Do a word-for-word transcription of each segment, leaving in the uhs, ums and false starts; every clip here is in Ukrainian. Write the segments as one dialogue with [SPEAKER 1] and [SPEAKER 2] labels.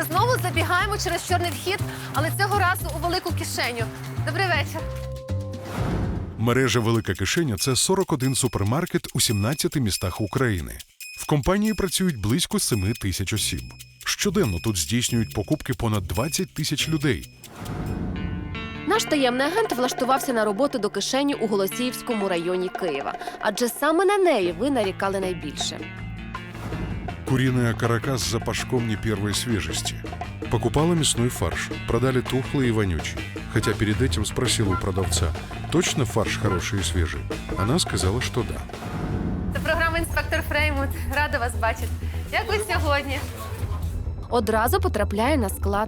[SPEAKER 1] Знову забігаємо через чорний вхід, але цього разу у велику кишеню. Добрий вечір.
[SPEAKER 2] Мережа «Велика кишеня» – це сорок один супермаркет у сімнадцяти містах України. В компанії працюють близько семи тисяч осіб. Щоденно тут здійснюють покупки понад двадцять тисяч людей.
[SPEAKER 3] Наш таємний агент влаштувався на роботу до кишені у Голосіївському районі Києва. Адже саме на неї ви нарікали найбільше.
[SPEAKER 2] Куриный каракас с запашком не первой свежести. Покупала мясной фарш, продали тухлый и вонючий. Хотя перед этим спросила у продавца, точно фарш хороший и свежий? Она сказала, что да.
[SPEAKER 1] Це програма «Інспектор Фреймут». Рада вас бачити. Як ви сьогодні?
[SPEAKER 3] Одразу потрапляє на склад.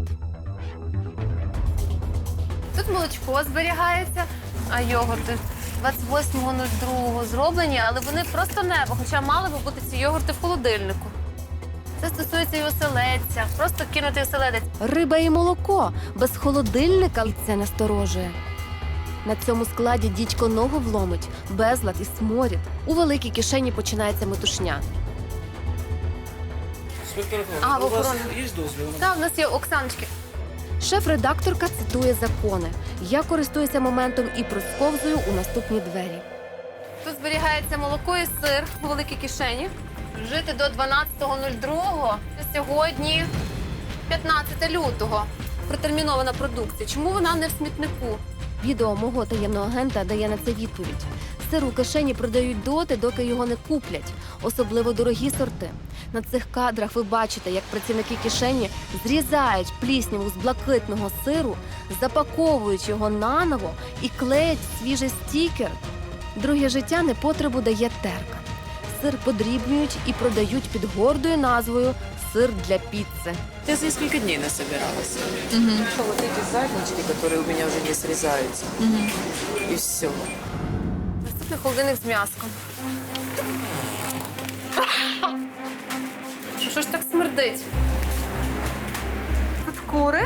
[SPEAKER 1] Тут молочко зберігається, а йогурти двадцять восьмого другого зроблені, але вони просто небо, хоча мали би бути ці йогурти в холодильнику. Це стосується і оселедця, просто кинути оселедець.
[SPEAKER 3] Риба і молоко. Без холодильника це насторожує. На цьому складі дідько ногу вломить, безлад і сморід. У великій кишені починається метушня.
[SPEAKER 1] А, в
[SPEAKER 4] у вас
[SPEAKER 1] охороні.
[SPEAKER 4] є дозвіл?
[SPEAKER 1] Так, в нас є Оксаночки.
[SPEAKER 3] Шеф-редакторка цитує закони. Я користуюся моментом і просковзую у наступні двері.
[SPEAKER 1] Тут зберігається молоко і сир у великій кишені. Жити до дванадцятого другого. Це сьогодні п'ятнадцяте лютого. Протермінована продукція. Чому вона не в смітнику?
[SPEAKER 3] Відео мого таємного агента дає на це відповідь. Сир у кишені продають доти, доки його не куплять. Особливо дорогі сорти. На цих кадрах ви бачите, як працівники кишені зрізають плісняву з блакитного сиру, запаковують його наново і клеять свіжий стікер. Друге життя непотребу дає терка. Сир подрібнюють і продають під гордою назвою «сир для піци».
[SPEAKER 5] Я за несколько дней насобиралась. Угу. Вот эти заднички, которые у меня уже не срезаются. Угу. И все.
[SPEAKER 1] Наступний холодильник з м'яском. Що ж так смердить? Тут кури.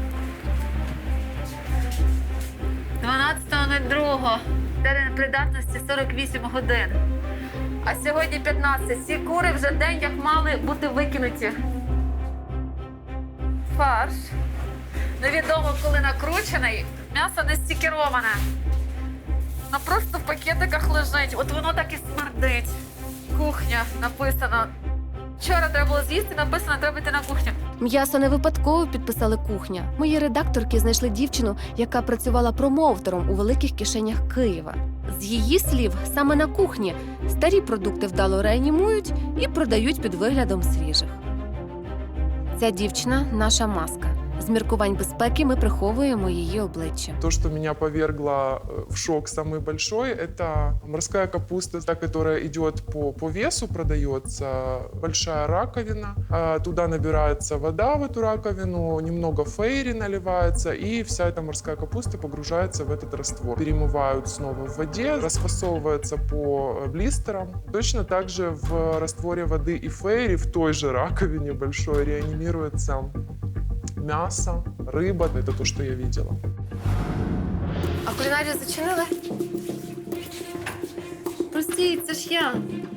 [SPEAKER 1] дванадцятого другого. Термін придатності сорок вісім годин. А сьогодні п'ятнадцять. Ці кури вже день як мали бути викинуті. Фарш. Невідомо, коли накручений. М'ясо не стікероване. Воно просто в пакетиках лежить. От воно так і смердить. Кухня написано. Вчора треба було з'їсти, написано, треба йти на кухню.
[SPEAKER 3] М'ясо не випадково підписали «кухня». Мої редакторки знайшли дівчину, яка працювала промоутером у великих кишенях Києва. З її слів, саме на кухні старі продукти вдало реанімують і продають під виглядом свіжих. Ця дівчина – наша маска. З міркувань безпеки ми приховуємо її обличчя.
[SPEAKER 6] То, что меня повергло в шок самый большой, это морская капуста, та, которая идет по, по весу, продается большая раковина. А, Туда набирается вода в эту раковину, немного фейри наливается, и вся эта морская капуста погружается в этот раствор. Перемывают снова в воде, расфасовывается по блистерам. Точно так же в растворе воды и фейри в той же раковине большой реанимируется мясо, рыба. Это то, что я видела.
[SPEAKER 1] А кулінарію зачинили? Простіть, це ж я.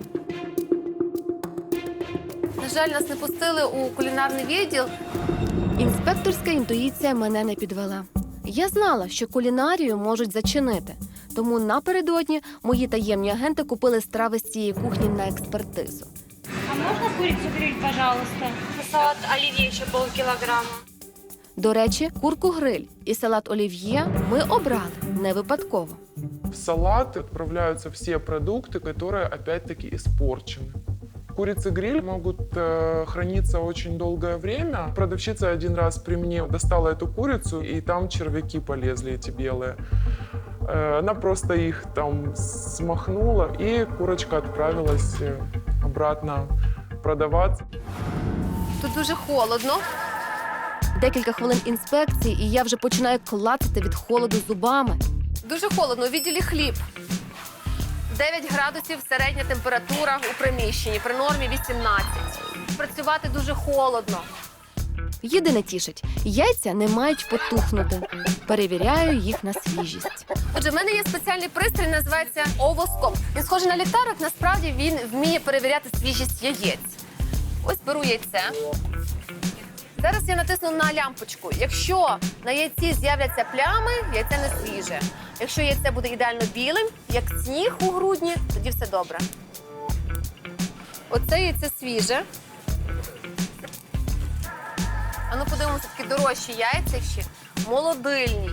[SPEAKER 1] На жаль, нас не пустили у кулінарний відділ.
[SPEAKER 3] Інспекторська інтуїція мене не підвела. Я знала, що кулінарію можуть зачинити. Тому напередодні мої таємні агенти купили страви з цієї кухні на експертизу.
[SPEAKER 7] А можно курицу гриль, пожалуйста? Салат оливье еще полкилограмма.
[SPEAKER 3] До речі, курку гриль і салат олів'є ми обрали не випадково.
[SPEAKER 6] В салат отправляются все продукты, которые опять-таки испорчены. Курицы-гриль могут э, храниться очень долгое время. Продавщица один раз при мне достала эту курицу, и там червяки полезли, эти белые. Э, она просто их там смахнула, и курочка отправилась э, обратно продаваться.
[SPEAKER 1] Тут дуже холодно.
[SPEAKER 3] Декілька хвилин інспекції, і я вже починаю клацати від холоду зубами.
[SPEAKER 1] Дуже холодно. У відділі хліб. дев'ять градусів середня температура у приміщенні, при нормі вісімнадцять. Працювати дуже холодно.
[SPEAKER 3] Єдине тішить – яйця не мають потухнути. Перевіряю їх на свіжість.
[SPEAKER 1] Отже, в мене є спеціальний пристрій, називається овоскоп. Він схожий на ліхтарик, насправді він вміє перевіряти свіжість яєць. Ось беру яйце.
[SPEAKER 3] Зараз я натисну на лямпочку. Якщо на яйці з'являться плями, яйце не свіже. Якщо яйце буде ідеально білим, як сніг у грудні, тоді все добре. Оце яйце свіже. А ну подивимося, такі дорожчі яйця ще. Молодильні.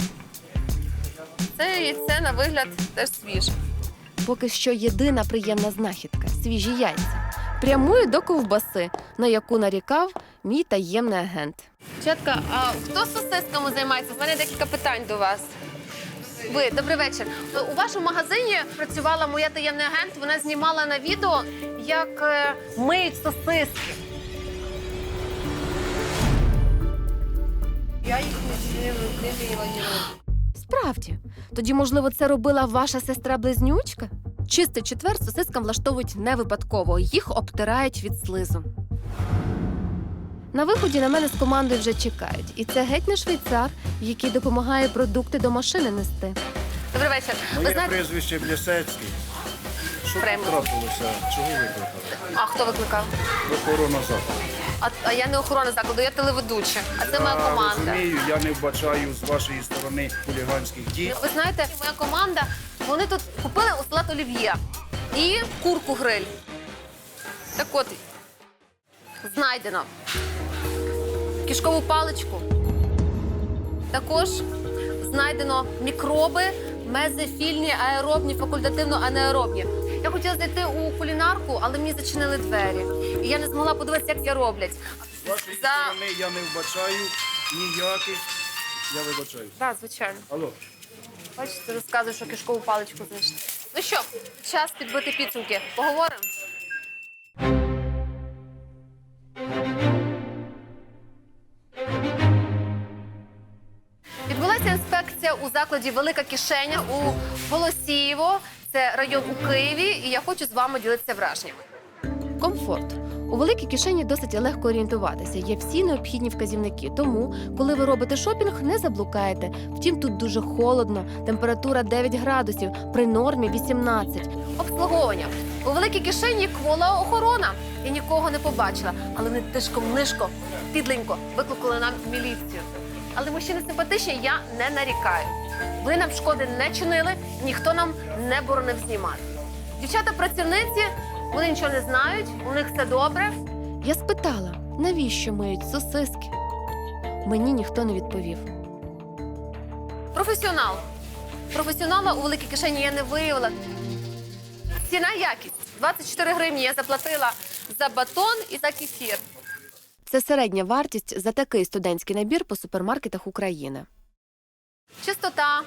[SPEAKER 3] Це яйце на вигляд теж свіже. Поки що єдина приємна знахідка – свіжі яйця. Прямую до ковбаси, на яку нарікав мій таємний агент. Чатка, а хто сосисками займається? У мене декілька питань до вас. Ви, добрий вечір. У вашому магазині працювала моя таємний агент. Вона знімала на відео, як е, миють сосиски.
[SPEAKER 5] Я їх не, не, не мила ні разу.
[SPEAKER 3] Справді. Тоді, можливо, це робила ваша сестра-близнючка? Чистий четвер сосискам влаштовують не випадково. Їх обтирають від слизу. На виході на мене з командою вже чекають. І це геть не швейцар, який допомагає продукти до машини нести. Добрий вечір. Ви
[SPEAKER 4] Моє
[SPEAKER 3] знаєте,
[SPEAKER 4] прізвище Блясецький. Що
[SPEAKER 3] Прямо.
[SPEAKER 4] тут трапилося? Чого викликали?
[SPEAKER 3] а хто викликав?
[SPEAKER 4] Охорона закладу.
[SPEAKER 3] А, а я не охорона закладу, я телеведуча. А це моя
[SPEAKER 4] Я
[SPEAKER 3] команда.
[SPEAKER 4] розумію, я не вбачаю з вашої сторони хуліганських дій.
[SPEAKER 3] Ви знаєте, моя команда, вони тут купили у салат олів'є і курку гриль. Так от, знайдено кишкову паличку. Також знайдено мікроби, мезофільні, аеробні, факультативно-анаеробні. Я хотіла зайти у кулінарку, але мені зачинили двері. І я не змогла подивитися, як це роблять.
[SPEAKER 4] З вашої
[SPEAKER 3] За-
[SPEAKER 4] сторони я не вбачаю ніяких. Я вибачаю.
[SPEAKER 3] Так, звичайно.
[SPEAKER 4] Алло.
[SPEAKER 3] Бачите, розказую, що кишкову паличку знайшли. Ну що, час підбити підсумки. Поговоримо? Відбулася інспекція у закладі «Велика кишеня» у Голосіїво. Це район у Києві, і я хочу з вами ділитися враженнями. Комфорт. У великій кишені досить легко орієнтуватися. Є всі необхідні вказівники. Тому, коли ви робите шопінг, не заблукаєте. Втім, тут дуже холодно. Температура дев'ять градусів, при нормі вісімнадцять. Обслуговування. У великій кишені квола охорона. Я нікого не побачила, але вони тишком-нишком, підленько викликали нам міліцію. Але мужчини симпатичні, я не нарікаю. Ви нам шкоди не чинили, ніхто нам не боронив знімати. Дівчата-працівниці, вони нічого не знають, у них все добре. Я спитала, навіщо миють сосиски? Мені ніхто не відповів. Професіонал. Професіонала у великій кишені я не виявила. Ціна якість. двадцять чотири гривні я заплатила за батон і за кефір. Це середня вартість за такий студентський набір по супермаркетах України. Чистота.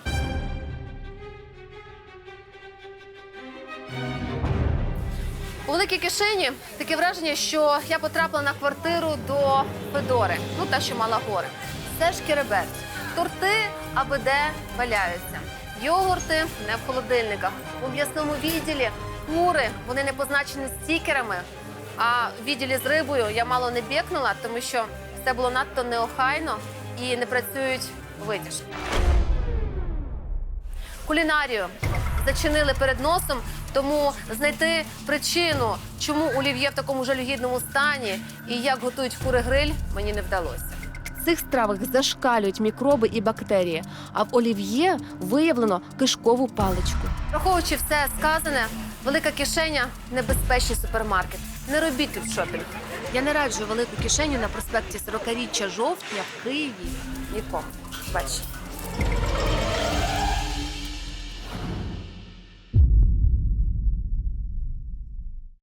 [SPEAKER 3] У великій кишені таке враження, що я потрапила на квартиру до Федори, ну та, що мала гори. Все шкереберть. Торти аби-де валяються. Йогурти не в холодильниках. У м'ясному відділі кури, вони не позначені стікерами. А в відділі з рибою я мало не бєкнула, тому що все було надто неохайно і не працюють витяжки. Кулінарію зачинили перед носом, тому знайти причину, чому олів'є в такому жалюгідному стані і як готують кури-гриль, мені не вдалося. В цих стравах зашкалюють мікроби і бактерії, а в олів'є виявлено кишкову паличку. Враховуючи все сказане, велика кишеня – небезпечний супермаркет. Не робіть тут шопінг. Я не раджу велику кишеню на проспекті сорокаріччя жовтня в Києві нікому. Бачите.